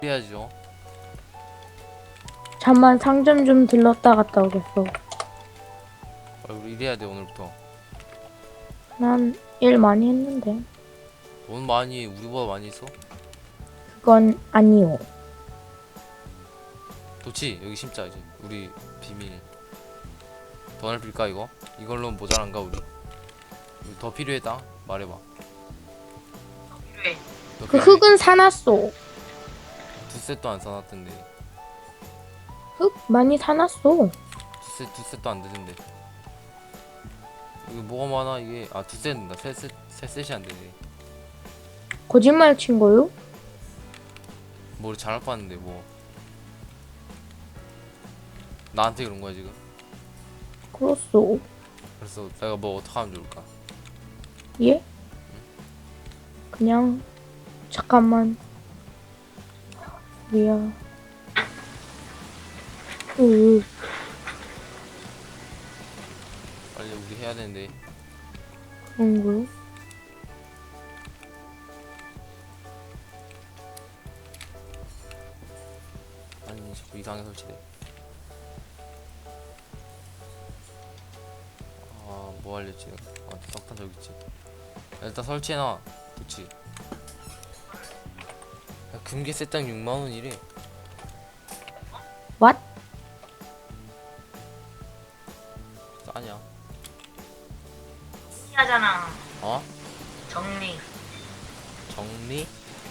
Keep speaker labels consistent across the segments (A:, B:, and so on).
A: 해야죠.
B: 잠만 상점 좀 들렀다 갔다 오겠어.
A: 우리 일해야 돼 오늘부터.
B: 난 일 많이 했는데.
A: 돈 많이 우리보다 많이 있어?
B: 그건 아니요.
A: 좋지. 여기 심자 이제. 우리 비밀. 더 넓힐까 이거? 이걸로 모자란가 우리? 우리 더 필요했다. 말해봐.
C: 필요해.
A: 더
B: 그
A: 필요해?
B: 흙은 사놨어.
A: 두 셋도 안 사놨던데.
B: 흙 많이 사놨어.
A: 두 셋도 안 되던데. 이게 뭐가 많아 이게? 아 두 셋 된다. 세 셋이 안 되네.
B: 거짓말 친 거요?
A: 뭘 잘할 뻔했는데 뭐. 나한테 그런 거야 지금?
B: 그렇소.
A: 그래서 내가 뭐 어떻게 하면 좋을까?
B: 예? 그냥 잠깐만. 미야.
A: 빨리 우리 해야 되는데.
B: 그런 거요?
A: 아니 자꾸 이상하게 설치돼. 아 뭐 알렸지? 아 석탄 저기 있지. 일단 설치해놔. 그치? 야, 금괴 세당 6만원이래.
B: What?
A: 싸냐?
C: 하잖아.
A: 어?
C: 정리.
A: 정리?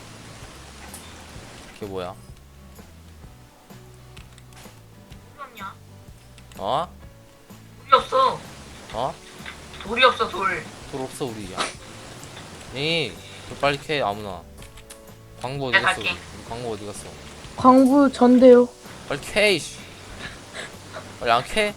A: 그게 뭐야?
C: 돌이 없냐?
A: 어?
C: 돌이 없어.
A: 어?
C: 돌이 없어 돌.
A: 돌 없어 우리. 야. 에이 돌 빨리 캐 아무나. 광고 어디
C: 내가
A: 갔어?
C: 갈게.
A: 우리 광고 어디 갔어?
B: 광부 전데요.
A: 빨리 캐 이씨. 빨리 안 캐?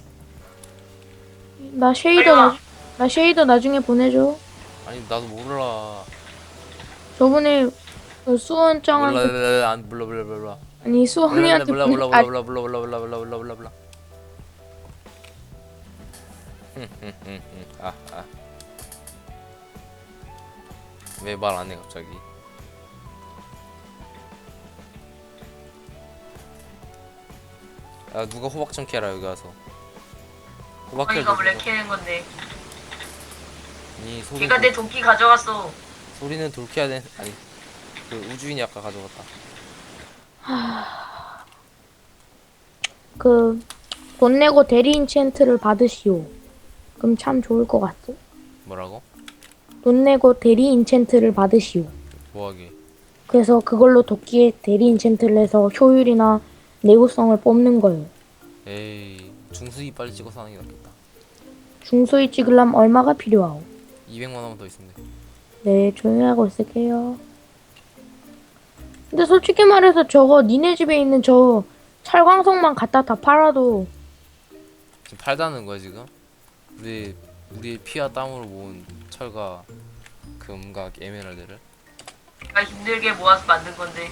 B: 나
C: 빨리
B: 쉐이더
C: 와.
B: 나 쉐이더 나중에 보내줘.
A: 아니 나도 몰라.
B: 저번에 그 수원짱한테
A: 몰라 안 몰라.
B: 아니 수원이한테
A: 몰라
B: 보내. 아,
A: 왜 말 안 해 갑자기? 야 누가 호박 좀 캐라 여기 와서. 호박 캐.
C: 어머니가 원래 캐는 건데.
A: 이 소리.
C: 걔가 내 도끼 가져갔어.
A: 소리는 돌 캐야 돼. 아니 그 우주인이 아까 가져갔다.
B: 그 돈 내고 대리 인챈트를 받으시오. 그럼 참 좋을 것 같소.
A: 뭐라고?
B: 돈 내고 대리 인챈트를 받으시오.
A: 뭐하게?
B: 그래서 그걸로 도끼에 대리 인챈트를 해서 효율이나 내구성을 뽑는 거예요.
A: 에이 중수이 빨리 찍어서 하는 게 낫겠다.
B: 중소위 찍으려면 얼마가 필요하오?
A: 200만 원만 더 있으면 돼.
B: 네, 조용히 하고 있을게요. 근데 솔직히 말해서 저거 니네 집에 있는 저 철광석만 갖다 다 팔아도
A: 지금 팔다는 거야 지금? 우리의 피와 땀으로 모은 철과 금과 에메랄드를.
C: 내가 힘들게 모아서 만든 건데.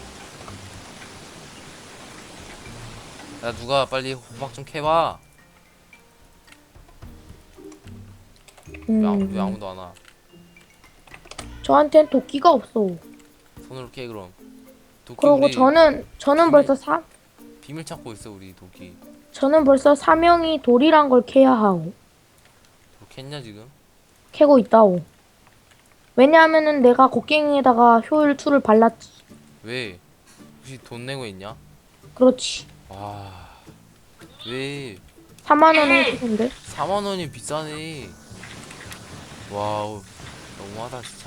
A: 야 누가 빨리 호박 좀 캐봐. 왜 아무도 안 와?
B: 저한텐 도끼가 없어.
A: 손으로 캐 그럼. 도끼
B: 그리고
A: 우리
B: 저는
A: 비밀 찾고 있어 우리 도끼.
B: 저는 벌써 사명이 돌이란 걸 캐야 하오.
A: 뭐 캤냐 지금?
B: 캐고 있다오. 왜냐하면은 내가 곡괭이에다가 효율 2를 발랐지.
A: 왜? 혹시 돈 내고 있냐?
B: 그렇지.
A: 와. 왜?
B: 4만 원을 주는데.
A: 4만 원이 비싸네. 와우. 너무하다 진짜.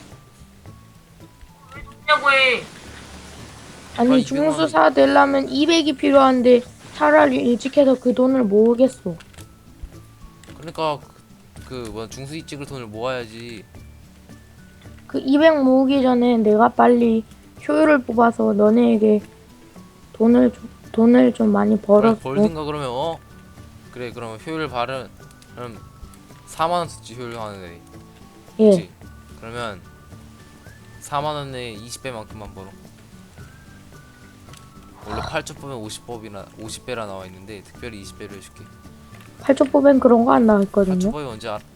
C: 냐고 해.
B: 아니
A: 빨리 200만 원.
B: 중수사 되려면 200이 필요한데 차라리 일찍 해서 그 돈을 모으겠어.
A: 그러니까 뭐 중수이 찍을 돈을 모아야지.
B: 그 200 모으기 전에 내가 빨리 효율을 뽑아서 너네에게 돈을 좀 많이 벌어서
A: 벌든가 그러면 그래 그러면 효율 발은 그럼 4만 원 썼지 효율 하는데.
B: 예.
A: 그치? 그러면 4만 원에 20배만큼만 벌어. 원래 8조 뽑으면 50배라 나와 있는데 특별히 20배로 해줄게.
B: 8조법엔 그런 거 안 나왔거든요.
A: 8조법이 언제 알아?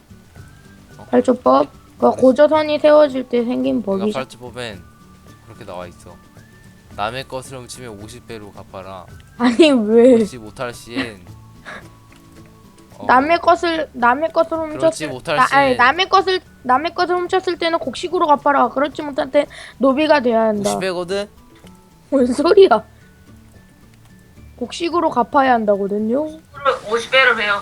B: 8조법? 그 고조선이 세워질 때 생긴
A: 내가
B: 법이죠.
A: 8조법엔 그렇게 나와 있어. 남의 것을 훔치면 50배로 갚아라.
B: 아니 왜
A: 그렇지 못할 시엔
B: 남의 것을
A: 그렇지
B: 훔쳤을
A: 못할
B: 아니
A: 시엔
B: 남의 것을 훔쳤을 때는 곡식으로 갚아라. 그렇지 못할 때 노비가 돼야 한다.
A: 50배거든?
B: 뭔 소리야? 곡식으로 갚아야 한다거든요.
C: 50배로 해요.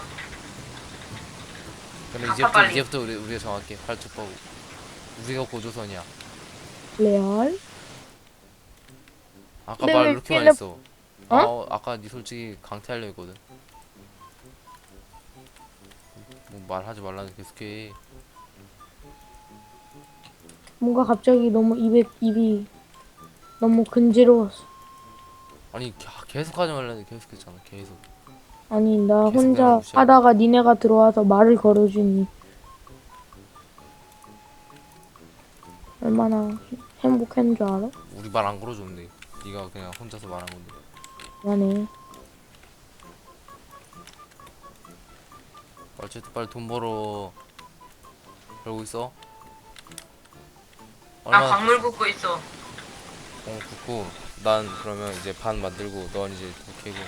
A: 그럼
C: 갚아, 빨리.
A: 이제부터 우리가 정할게. 팔뚝하고 우리가 고조선이야.
B: 레알?
A: 아까
B: 근데
A: 말
B: 왜
A: 이렇게 많이
B: 필름-
A: 했어. 아까 니 솔직히 강퇴하려 했거든. 뭐 말하지 말라는 계속해.
B: 뭔가 갑자기 너무 입이 너무 근지러웠어.
A: 아니 계속하지 말라는 계속했잖아. 계속.
B: 아니 나
A: 계속
B: 혼자
A: 내가 무시하고.
B: 하다가 니네가 들어와서 말을 걸어주니 얼마나 행복한 줄 알아?
A: 우리 말 안 걸어줬는데. 네가 그냥 혼자서 말한 건데.
B: 미안해.
A: 어쨌든 빨리 돈 벌어. 그러고 있어.
C: 나
A: 얼마나
C: 광물 굽고 있어.
A: 굽고 난 그러면 이제 반 만들고 넌 이제 도 캐고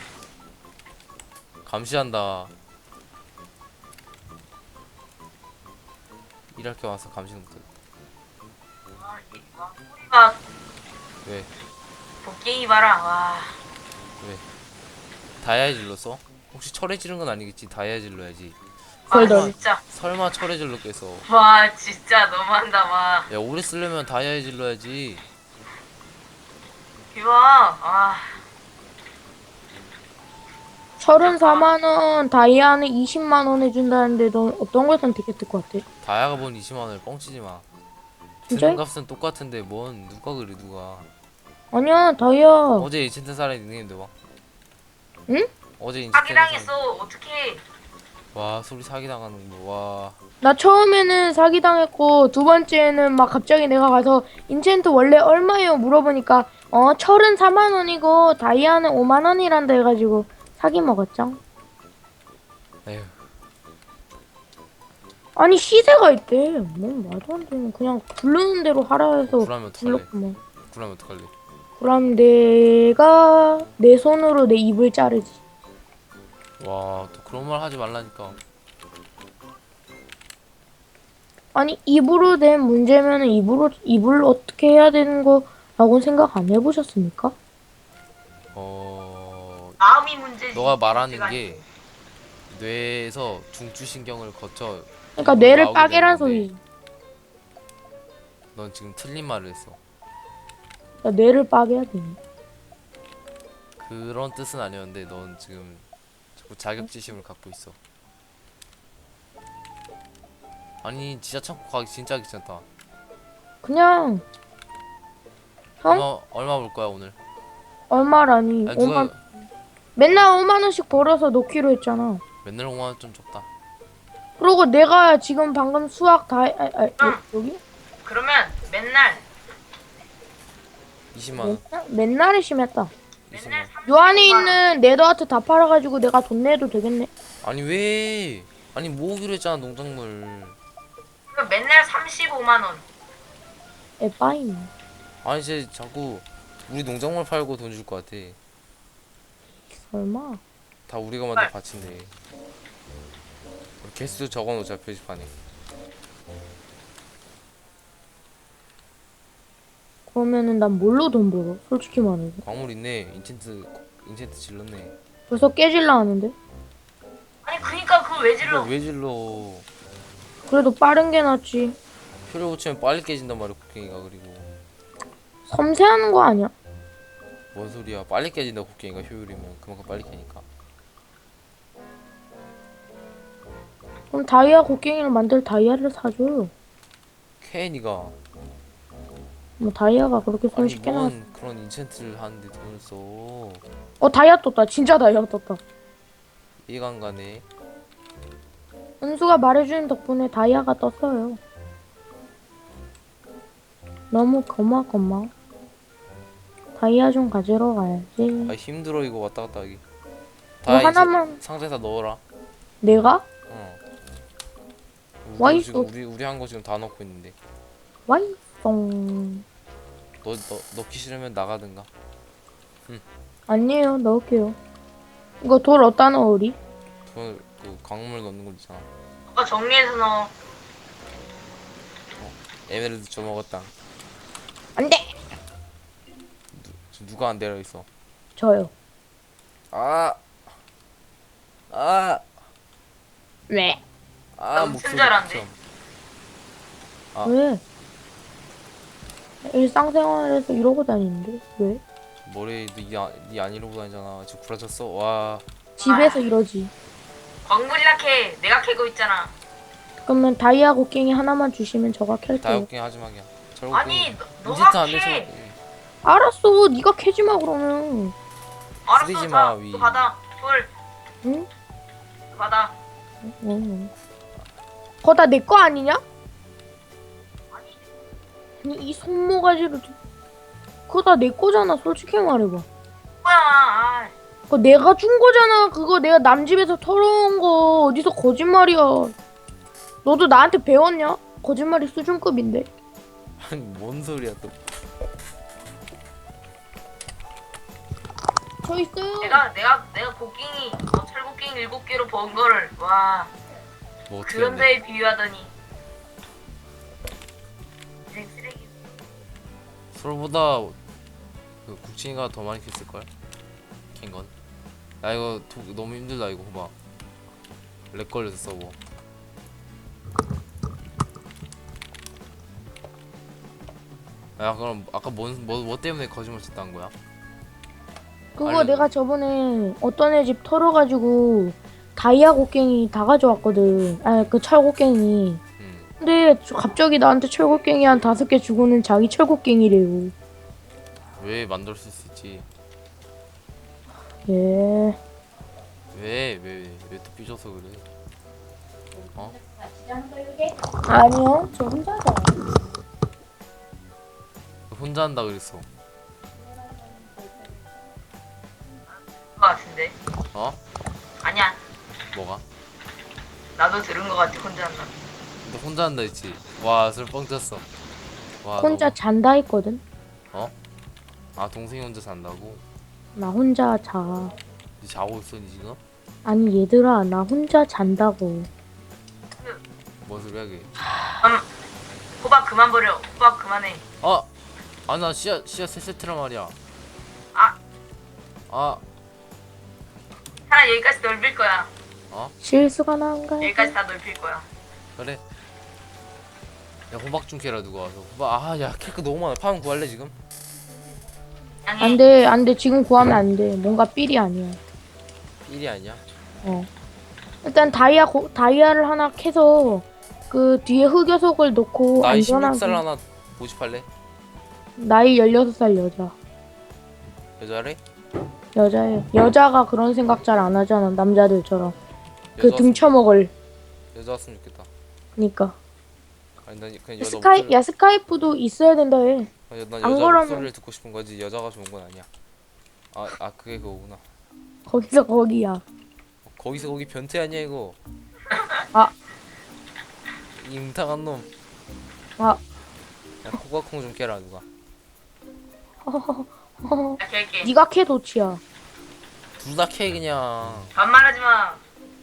A: 감시한다. 일할 게 와서 감시는 못해.
C: 소리가
A: 왜?
C: 곡괭이 봐라. 와.
A: 왜? 다이아에 질렀어? 혹시 철에 지른 건 아니겠지? 다이아에 질러야지.
C: 아
B: 덜덜.
C: 진짜.
A: 설마 철에 질렀겠어?
C: 와 진짜 너무한다. 와.
A: 야 오래 쓰려면 다이아에 질러야지.
C: 비와. 아.
B: 34만 원 다이아는 20만 원 해준다는데 넌 어떤 걸 선택했을 것 같아?
A: 다이아가 뭔 20만 원을 뻥치지 마.
B: 진짜?
A: 드는 값은 똑같은데 뭔 누가 그래 누가.
B: 아니야 다이아.
A: 어제 인챈트 사람이 닉네임도 봐.
B: 응?
A: 어제 인챈트
C: 사기당했어. 어떡해.
A: 와 소리 사기 당하는 거. 와.
B: 나 처음에는 사기당했고 두 번째는 막 갑자기 내가 가서 인챈트 원래 얼마예요 물어보니까 34만 원이고 다이아는 5만 원이란다 해가지고 사기 먹었죠.
A: 에휴.
B: 아니 시세가 있대. 뭐 말도 안 되는 그냥 부르는 대로 하라 해서
A: 그러면 어떡할래?
B: 불렀구만.
A: 그러면 어떡할래?
B: 그럼 내가 내 손으로 내 입을 자르지.
A: 와 또 그런 말 하지 말라니까.
B: 아니 입으로 된 문제면은 입을 어떻게 해야 되는 거라고 생각 안 해보셨습니까?
C: 마음이 문제지.
A: 너가 말하는
C: 문제가
A: 게 뇌에서 중추신경을 거쳐
B: 그러니까
A: 입으로
B: 뇌를
A: 나오게
B: 빠개란
A: 되는 건데
B: 소리지.
A: 넌 지금 틀린 말을 했어.
B: 나 뇌를 빠개야 돼.
A: 그런 뜻은 아니었는데 넌 지금 자꾸 자격지심을 갖고 있어. 아니 진짜 창고 가기 진짜 귀찮다.
B: 그냥
A: 얼마 벌 거야 오늘?
B: 얼마라니?
A: 아니 누가
B: 맨날 5만 원씩 벌어서 넣기로 했잖아.
A: 맨날 5만 원 좀 적다.
B: 그리고 내가 지금 방금 수학 다 여기?
C: 그러면 맨날
A: 20만 원.
B: 맨날이 심했다.
A: 20만
C: 맨날
A: 원.
B: 요 안에 있는 네더아트 다 팔아가지고 내가 돈 내도 되겠네.
A: 아니 왜? 아니 모으기로 했잖아 농작물.
C: 그럼 맨날 35만 원.
B: 에빠이네.
A: 아니 이제 자꾸 우리 농작물 팔고 돈 줄 것 같아.
B: 설마?
A: 다 우리가 만든 밭인데. 개수 적어놓자 표지판에.
B: 그러면은 난 뭘로 돈 벌어? 솔직히 말해서.
A: 광물 있네. 인챈트 질렀네.
B: 벌써 깨질라 하는데?
C: 아니 그니까 그걸 왜 질러?
A: 왜 질러?
B: 그래도 빠른 게 낫지.
A: 표를 붙이면 빨리 깨진단 말이야 곡괭이가. 그리고
B: 섬세하는 거 아니야?
A: 뭔 소리야? 빨리 깨진다 곡괭이가 효율이면 그만큼 빨리 깨니까.
B: 그럼 다이아 곡괭이를 만들 다이아를 사줘요.
A: 캐니가
B: 뭐 다이아가 그렇게
A: 아니
B: 손쉽게 나왔어.
A: 뭔 그런 인챈트를 하는데 돈을 써.
B: 다이아 떴다. 진짜 다이아 떴다.
A: 이해가 안 가네.
B: 은수가 말해주는 덕분에 다이아가 떴어요. 너무 고마워. 다이아 좀 가지러 가야지.
A: 아 힘들어 이거 왔다 갔다 하기.
B: 뭐
A: 이제
B: 하나만
A: 상자에다 넣어라.
B: 내가?
A: 어.
B: 와
A: 우리
B: 있어.
A: 지금 우리 한 거 지금 다 넣고 있는데.
B: 와이송.
A: 너 넣기 싫으면 나가든가.
B: 아니에요, 넣을게요. 이거 돌 어디다 넣어, 우리?
A: 그 광물 넣는 거 있잖아.
C: 아까 정리해서 넣어.
A: 에메랄드 줘먹었다.
B: 안 돼!
A: 누가 안 내려 있어?
B: 저요.
A: 아, 아,
B: 왜?
A: 아,
C: 엄청
A: 목소리
C: 잘하는데?
A: 좀. 아.
B: 왜? 일상생활에서 이러고 다니는데? 왜?
A: 머리 니안 이러고 다니잖아. 지금 구라쳤어. 와,
B: 집에서 이러지.
C: 광물이라 캐. 내가 캐고 있잖아.
B: 그러면 다이아 곡괭이 하나만 주시면 저가 캘게요.
A: 다육갱 하지 마기야.
C: 아니
A: 인지트
C: 너가
A: 안 돼,
C: 캐.
A: 저거.
B: 알았어, 네가 캐지 마 그러면.
C: 알았어.
A: 쓰리지
C: 자,
A: 마, 위.
C: 또 받아. 돌
B: 응?
C: 받아.
B: 응. 그거 다 내 거 아니냐? 아니 이 손모가지로 그거 다 내 거잖아. 솔직히 말해봐.
C: 뭐야? 아,
B: 그거 내가 준 거잖아. 그거 내가 남 집에서 털어온 거 어디서 거짓말이야. 너도 나한테 배웠냐? 거짓말이 수준급인데.
A: 아니, 뭔 소리야 또.
B: 저 있어요.
C: 내가 곡괭이 철곡괭이 7개로 번 거를 와
A: 뭐 어떻게
C: 그런
A: 했는데?
C: 데에 비유하더니 인생 쓰레기.
A: 서로보다 그 국진이가 더 많이 캤을 걸. 캔 건. 야 이거 너무 힘들다 이거 봐. 렉 걸려서 서버. 야 그럼 아까 뭐 때문에 거짓말 쳤다는 거야?
B: 그거
A: 알려줘.
B: 내가 저번에 어떤 애 집 털어가지고 다이아 곡괭이 다 가져왔거든. 아, 그 철곡괭이. 근데 갑자기 나한테 철곡괭이 한 5개 주고는 자기 철곡괭이래요.
A: 왜 만들 수 있지?
B: 예.
A: 왜 또 삐져서 그래? 어?
B: 아니요, 저 혼자서.
A: 혼자 한다 그랬어.
C: 거 같은데.
A: 어?
C: 아니야.
A: 뭐가?
C: 나도 들은 거 같아. 혼자 한다.
A: 너 혼자 한다 했지? 와, 술 뻥 쳤어. 와,
B: 혼자 잔다 했거든.
A: 아, 동생이 혼자 산다고?
B: 나 혼자 자.
A: 니 자고 있어, 니 지금?
B: 아니 얘들아, 나 혼자 잔다고.
A: 뭔 소리야, 그게?
C: 호박 그만 버려. 호박 그만해.
A: 아, 나 씨앗 3세트란 말이야.
C: 아.
A: 아,
C: 하나 여기까지 넓힐 거야.
B: 실수가 난가?
C: 여기까지 다 넓힐 거야.
A: 그래. 야, 호박 좀 캐라, 누가 와서. 호박, 야, 케이크 너무 많아. 파면 구할래, 지금?
C: 양해.
B: 안 돼. 지금 구하면 안 돼. 뭔가 삘이 아니야.
A: 일이 아니야?
B: 일단 다이아를 하나 캐서 그 뒤에 흑요석을 넣고
A: 나이
B: 안전하게.
A: 16살 하나 모집할래?
B: 나이 16살 여자.
A: 여자래?
B: 여자예요. 여자가 그런 생각 잘 안 하잖아. 남자들처럼. 그
A: 여자
B: 등 쳐먹을.
A: 여자 왔으면 좋겠다.
B: 그니까.
A: 아니, 난 그냥 여자
B: 스카이프도 있어야 된다 해.
A: 난
B: 안
A: 여자
B: 그러면-
A: 목소리를 듣고 싶은 거지 여자가 좋은 건 아니야. 그게 그거구나.
B: 거기서 거기야.
A: 거기서 거기 변태 아니야 이거.
B: 아.
A: 이 웅탕한 놈.
B: 아.
A: 야, 코가콩 좀 깨라 누가.
C: 나 깰게.
B: 네가 캐 도치야.
A: 둘 다 캐 그냥.
C: 반말하지 마.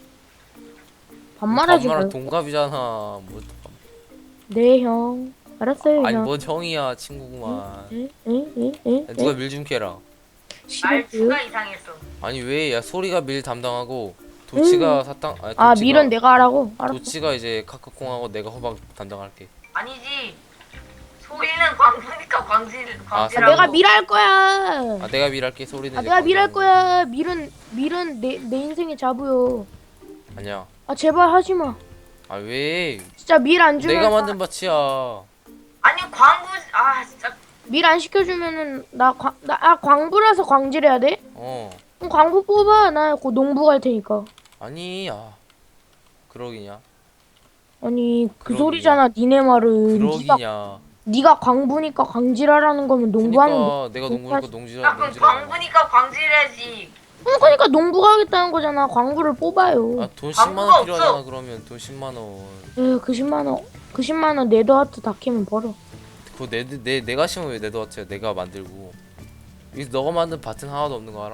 B: 반말하지
A: 반말할
B: 마.
A: 동갑이잖아. 뭐,
B: 네 형. 알았어요
A: 아니
B: 형.
A: 뭔 형이야 친구구만.
B: 에?
A: 야, 누가 밀 좀 캐라.
B: 싫어요.
C: 말투가 이상했어.
A: 아니 왜 야 소리가 밀 담당하고 도치가 사탕 아니
B: 아
A: 도치가-
B: 밀은 내가 하라고? 알았어.
A: 도치가 이제 카카콩하고 내가 호박 담당할게.
C: 아니지. 소리는 광부니까 광질하고.
B: 내가 밀할 거야.
A: 아 내가 밀할게 소리는. 이제
B: 내가 밀할
A: 광고하는
B: 거야. 밀은 내 인생의 자부요.
A: 거. 아니야.
B: 아 제발 하지 마.
A: 아 왜?
B: 진짜 밀 안 주면
A: 내가 만든 밭이야.
C: 아니 광부 진짜.
B: 밀 안 시켜주면은 나 광부라서 광질해야 돼?
A: 어.
B: 그럼 광부 뽑아. 나 곧 농부 갈 테니까.
A: 아니 그러기냐?
B: 아니 그
A: 그러기냐?
B: 소리잖아. 니네 말은.
A: 그러기냐?
B: 네가 광부니까 광질하라는 거면 농부하는 거.
A: 그러니까 내가 농구니까 농지라
C: 야 그럼 광부니까 광질해야지.
B: 그러니까 농부가 하겠다는 거잖아. 광부를 뽑아요.
A: 아돈
C: 광고가
A: 10만 원 필요하잖아.
C: 없어.
A: 그러면 돈 10만 원.
B: 에휴, 그 10만 원 네더하트 다 캐면 벌어.
A: 그거 내가 심으면 왜 내도 왔지? 내가 만들고. 여기서 너가 만든 밭은 하나도 없는 거 알아?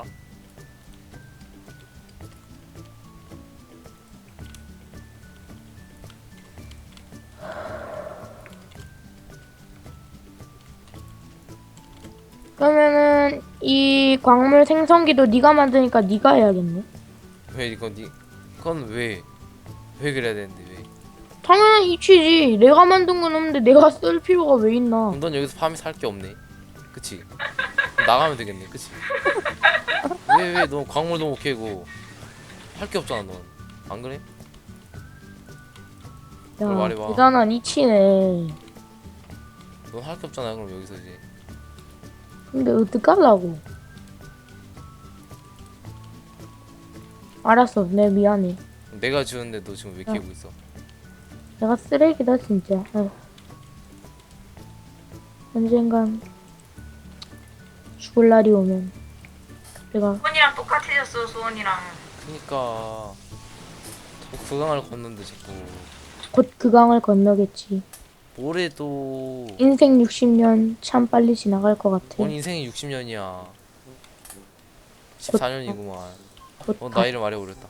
B: 그러면은 이 광물 생성기도 네가 만드니까 네가 해야겠네.
A: 왜 이건 그건 왜 그래야 되는데 왜?
B: 당연한 이치지. 내가 만든 건 없는데 내가 쓸 필요가 왜 있나?
A: 그럼 넌 여기서 파밍 살 게 없네. 그치? 그럼 나가면 되겠네. 그치? 왜 너 광물도 못 캐고 할 게 없잖아 넌. 안 그래? 그걸
B: 야,
A: 말해봐.
B: 대단한 이치네.
A: 넌 할 게 없잖아. 그럼 여기서 이제
B: 근데 어떡하려고? 알았어, 내 미안해.
A: 내가 지었는데 너 지금 왜 캐고 있어?
B: 내가 쓰레기다 진짜. 아휴. 언젠간 죽을 날이 오면 내가
C: 수원이랑 똑같아졌어 수원이랑.
A: 그니까 그 강을 걷는데 자꾸
B: 곧 그 강을 건너겠지.
A: 올해도
B: 인생 60년 참 빨리 지나갈 것 같아.
A: 뭔 인생이 60년이야. 14년이구만.
B: 곧
A: 나이를 말해버렸다.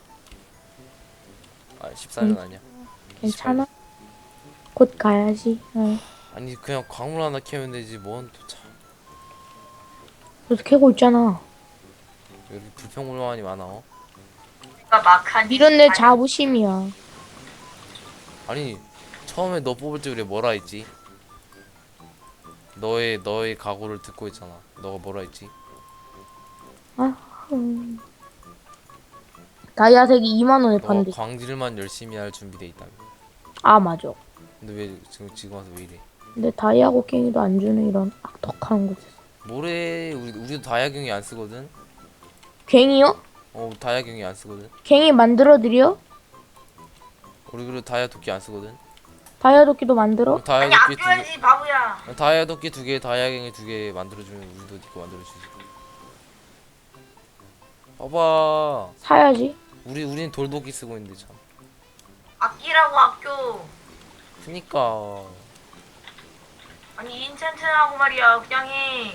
A: 아 14년 아니야.
B: 괜찮아? 곧 가야지. 어.
A: 아니 그냥 광물 하나 캐면 되지 뭔 또 참.
B: 너도 캐고 있잖아.
A: 여기 불평불만이 많아.
C: 내가 막한
B: 이런 내 자부심이야.
A: 아니 처음에 너 뽑을 때 그래 뭐라 했지? 너의 각오를 듣고 있잖아. 너가 뭐라 했지?
B: 다이아색이 2만 원에
A: 너가
B: 판대.
A: 광질만 열심히 할 준비돼 있다며.
B: 아 맞아.
A: 근데 왜 지금 와서 왜 이래?
B: 근데 다이아 곡괭이도 안 주는 이런 악덕한 곳에서.
A: 뭐래? 우리도 다이아경이 안 쓰거든.
B: 괭이요?
A: 다이아경이 안 쓰거든.
B: 괭이 만들어드려?
A: 우리 그리고 다이아 도끼 안 쓰거든.
B: 다이아 도끼도 만들어?
A: 다이아
C: 아니
A: 도끼
C: 아껴야지 바보야.
A: 다이아 도끼 2개, 다이아경이 2개 만들어주면 우리도 니거 만들어주지. 봐봐.
B: 사야지.
A: 우린 돌도끼 쓰고 있는데 참.
C: 아끼라고 아껴.
A: 그니까.
C: 아니 인챈트하고 말이야 그냥 해.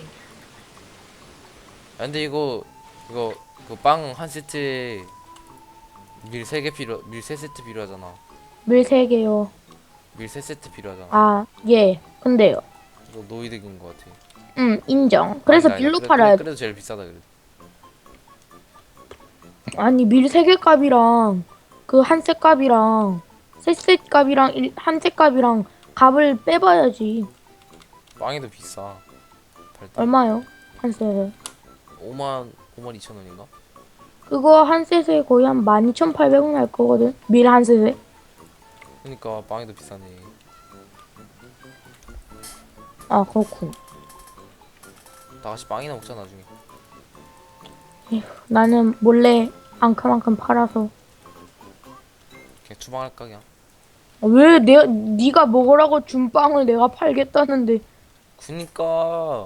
A: 근데 이거 그 빵 한 세트에 밀 3세트 필요하잖아.
B: 밀 3개요.
A: 밀 3세트 필요하잖아.
B: 아, 예. 근데요.
A: 이거 노이득인 것 같아.
B: 인정. 그래서
A: 아니다,
B: 밀로
A: 그래,
B: 팔아야 돼.
A: 그래도 제일 비싸다 그래.
B: 아니, 밀 3개 값이랑 그 한 셋 값이랑 셋 값이랑 한 셋 값이랑 값을 빼봐야지.
A: 빵이 더 비싸. 팔 때.
B: 얼마요? 한 셋에.
A: 5만 2천 원인가?
B: 그거 한 셋에 거의 한 12,800원 할 거거든. 밀 한 셋에.
A: 그러니까 빵이 더 비싸네.
B: 아, 그렇군.
A: 다 같이 빵이나 먹자 나중에.
B: 나는 몰래 앙큼앙큼 팔아서.
A: 그냥 추방할까 그냥.
B: 왜 네가 먹으라고 준 빵을 내가 팔겠다는데.
A: 그니까.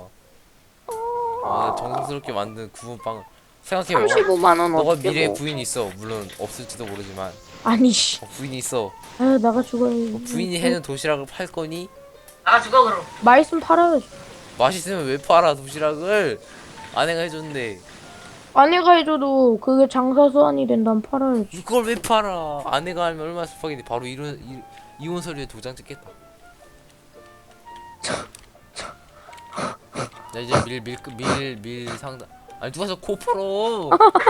A: 정성스럽게 만든 구운 빵을 생각해봐.
B: 35만 원
A: 너가
B: 어떻게
A: 미래에
B: 먹어?
A: 부인이 있어. 물론 없을지도 모르지만
B: 아니 씨.
A: 부인이 있어.
B: 아유 나가 죽어야지.
A: 부인이 해는 도시락을 팔 거니?
C: 나가 죽어 그럼.
B: 맛있으면 팔아야지.
A: 맛있으면 왜 팔아 도시락을? 아내가 해줬는데
B: 아내가 해줘도 그게 장사 수완이 된다면 팔아야지.
A: 이걸 왜 팔아? 아내가 하면 얼마나 습하겠니? 바로 이혼 서류에 도장 찍겠다. 나 이제 밀 상담. 아니 누가 저 코 풀어?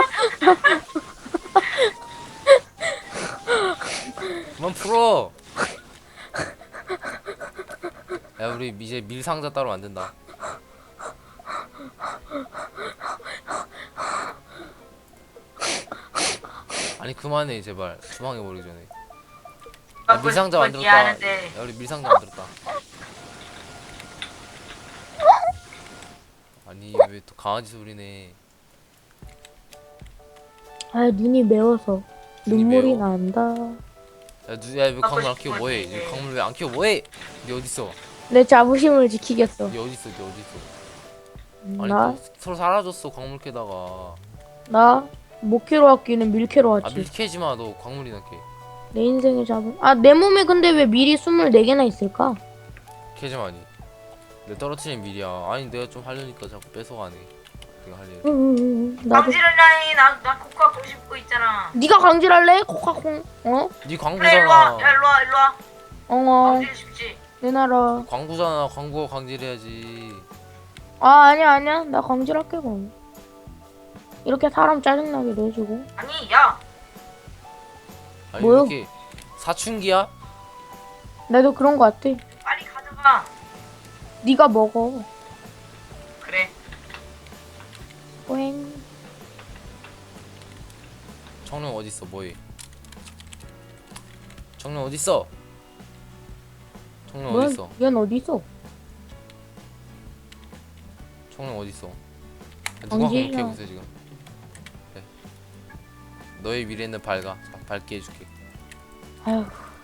A: 그만 풀어. 야 우리 이제 밀 상자 따로 만든다. 아니 그만해 제발. 주방에 버리기 전에. 야, 밀상자 만들었다.
C: 이해하는데.
A: 야 우리 밀상자 만들었다. 아니 왜 또 강아지 소리네.
B: 아 눈이 매워서
A: 눈이
B: 눈물이
A: 매워?
B: 난다.
A: 야왜 광물 안 키워 뭐해?
C: 싶은
A: 이
C: 거지.
A: 광물 왜 안 키워 뭐해? 니 어딨어?
B: 내 자부심을 지키겠어.
A: 니 어딨어? 니 어딨어? 아니
B: 나?
A: 또 서로 사라졌어 광물 캐다가.
B: 나? 못 캐러 왔기는 밀 캐러
A: 아
B: 왔지.
A: 밀 캐지마 너 광물이나 캐.
B: 내 인생의 자부. 아 내 몸에 근데 왜 밀이 24개나 있을까?
A: 캐지마 니. 내 떨어뜨린 밀이야. 아니 내가 좀 하려니까 자꾸 뺏어가네. 내가 할 일.
B: 나도.
C: 강지랄라니 나 코카 공 씹고 있잖아.
B: 네가 강질할래? 코카콩. 어?
A: 네
C: 그래 일로 와.
A: 광고잖아.
C: 야 일로 와 일로 와.
B: 엉엉.
C: 강질 쉽지.
B: 내놔라.
A: 광고잖아. 광고 강질해야지.
B: 아 아니야. 나 강질할게 그럼. 이렇게 사람 짜증나게 내주고.
C: 아니 야.
A: 아니
B: 뭐요?
A: 이렇게 사춘기야?
B: 나도 그런 거 같아.
C: 빨리 가져가.
B: 네가 먹어.
C: 그래.
B: 오행.
A: 청룡 어딨어? 뭐해? 청룡 어딨어? 청룡
B: 뭐야?
A: 어딨어?
B: 얘는 어디 있어?
A: 청룡 어딨어? 누가
B: 강진이야.
A: 공격하고 있어 지금? 그래. 너의 미래는 밝아. 자, 밝게 해줄게.
B: 아휴.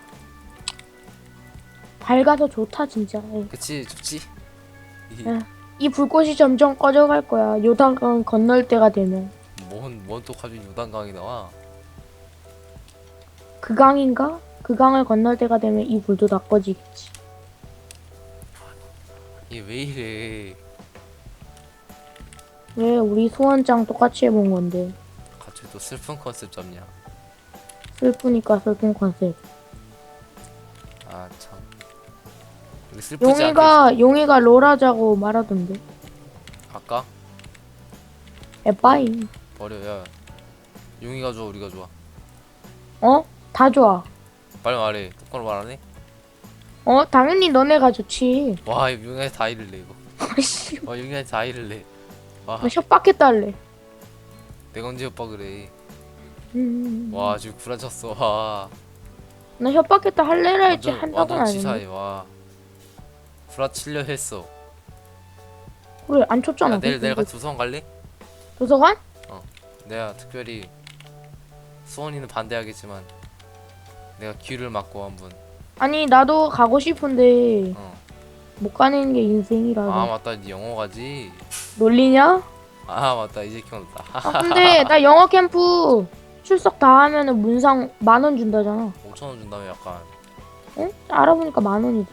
B: 밝아서 좋다 진짜. 에이.
A: 그치? 좋지?
B: 야. 이 불꽃이 점점 꺼져갈 거야. 요단강 건널 때가 되면.
A: 뭔또 갑자기 요단강이 나와?
B: 그 강인가? 그 강을 건널 때가 되면 이 불도 다 꺼지겠지.
A: 얘 왜 이래?
B: 왜 우리 소원장 똑같이 해본 건데.
A: 갑자기 또 슬픈 컨셉 잡냐?
B: 슬프니까 슬픈 컨셉.
A: 아 참. 우리 슬프지 않게
B: 용이가 롤하자고 말하던데.
A: 아까
B: 에빠이.
A: 버려. 야 용이가 좋아 우리가 좋아?
B: 어? 다 좋아.
A: 빨리 말해. 똑바로 말하네?
B: 어? 당연히 너네가 좋지.
A: 와 이거 용이한테 다 이를래 이거.
B: 아이씨.
A: 와 용이한테 다 이를래. 와
B: 나 협박했다 할래.
A: 내가 언제 오빠 그래?
B: 음.
A: 와 지금 구라쳤어. 와
B: 나 협박했다 할래라 했지 한다고는
A: 완전
B: 아니네.
A: 치사해. 와 구라치려 했어.
B: 그래 안 쳤잖아.
A: 야 내일 같이 도서관 갈래?
B: 도서관?
A: 내가 특별히 수원이는 반대하겠지만 내가 귀를 막고 한번.
B: 아니 나도 가고 싶은데
A: 어.
B: 못 가는 게 인생이라서.
A: 아 맞다 니 영어 가지.
B: 놀리냐?
A: 아 맞다 이제 기억났다.
B: 아 근데 나 영어 캠프 출석 다 하면은 문상 10,000원 준다잖아.
A: 5,000원 준다며 약간.
B: 응? 알아보니까 10,000원이지.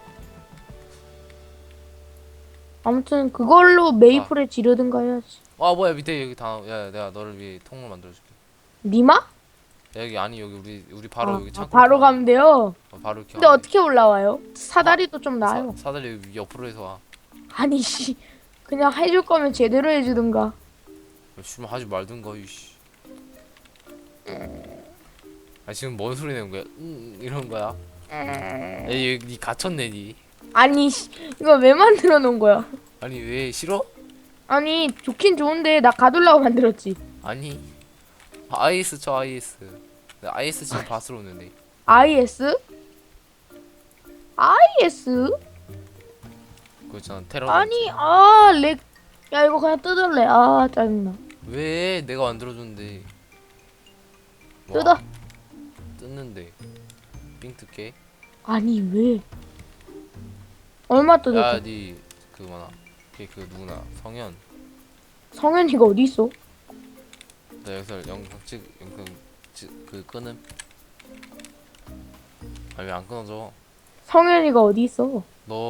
B: 아무튼 그걸로 메이플에 지르든가 해야지.
A: 와 뭐야 밑에 여기 다. 야 내가 너를 위해 통로 만들어줄게.
B: 니마?
A: 야, 여기 아니 여기 우리 바로 여기 창고.
B: 바로 가면 돼요.
A: 바로 이렇게.
B: 근데
A: 가면
B: 어떻게 올라와요? 사다리도 좀
A: 돼.
B: 나요.
A: 사다리 여기 옆으로 해서 와.
B: 아니 씨 그냥 해줄 거면 제대로 해주든가.
A: 술 하지 말든가 이씨. 아 지금 뭔 소리 내는 거야? 이런 거야? 니 갇혔네 니.
B: 아니 씨 이거 왜 만들어 놓은 거야?
A: 아니 왜 싫어?
B: 아니 좋긴 좋은데 나 가둘라고 만들었지.
A: 아니 IS 쳐 IS. 나 IS 지금 바스로 오는데.
B: IS? IS?
A: 그거 있잖아 테러.
B: 아니 렉. 야 이거 그냥 뜯을래. 아 짜증나.
A: 왜 내가 만들어줬는데. 와,
B: 뜯어.
A: 뜯는데 삥 뜯게.
B: 아니 왜? 얼마 뜯었어?
A: 야니 그거 많아. 걔그 누구나 성현.
B: 성현이가 어디 있어?
A: 나 여기서 영상 그 끄는. 아 왜 안 끊어져?
B: 성현이가 어디 있어?
A: 너